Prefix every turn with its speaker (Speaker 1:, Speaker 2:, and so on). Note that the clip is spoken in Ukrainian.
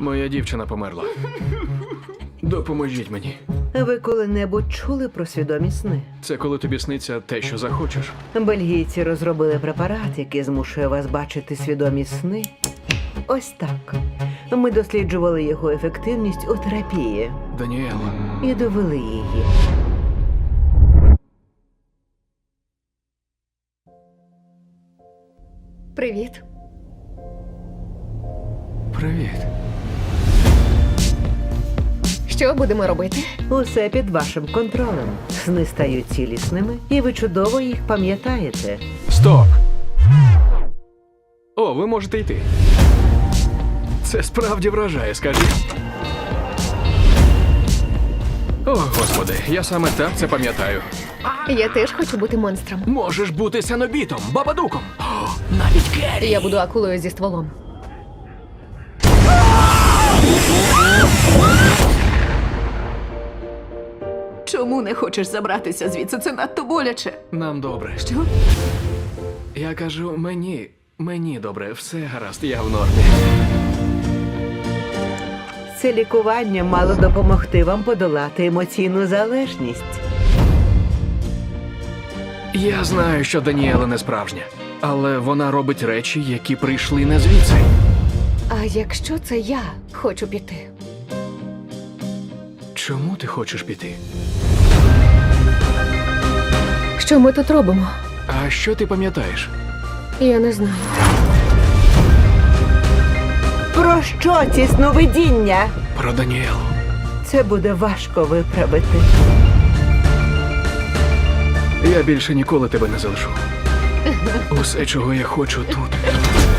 Speaker 1: Моя дівчина померла. Допоможіть мені.
Speaker 2: Ви коли-небудь чули про свідомі сни?
Speaker 1: Це коли тобі сниться те, що захочеш.
Speaker 2: Бельгійці розробили препарат, який змушує вас бачити свідомі сни. Ось так. Ми досліджували його ефективність у терапії
Speaker 1: Даніел,
Speaker 2: і довели її.
Speaker 3: Привіт.
Speaker 1: привіт.
Speaker 3: Що будемо робити?
Speaker 2: Усе під вашим контролем. Сни стають цілісними, і ви чудово їх пам'ятаєте.
Speaker 1: Стоп! О, ви можете йти. Це справді вражає, скажіть. О, Господи, я саме так це пам'ятаю.
Speaker 3: Я теж хочу бути монстром.
Speaker 1: Можеш бути сенобітом, бабадуком. О, навіть Керрі.
Speaker 3: Я буду акулою зі стволом.
Speaker 4: Чому не хочеш забратися звідси? Це надто боляче.
Speaker 1: Нам добре.
Speaker 4: Що?
Speaker 1: Я кажу, мені добре, все гаразд, я в нормі.
Speaker 2: Це лікування мало допомогти вам подолати емоційну залежність.
Speaker 1: Я знаю, що Даніела не справжня, але вона робить речі, які прийшли не звідси.
Speaker 3: А якщо це я хочу піти?
Speaker 1: Чому ти хочеш піти?
Speaker 3: Що ми тут робимо?
Speaker 1: А що ти пам'ятаєш?
Speaker 3: Я не знаю.
Speaker 2: Про що ці сновидіння?
Speaker 1: Про Даніелу.
Speaker 2: Це буде важко виправити.
Speaker 1: Я більше ніколи тебе не залишу. Усе, чого я хочу тут,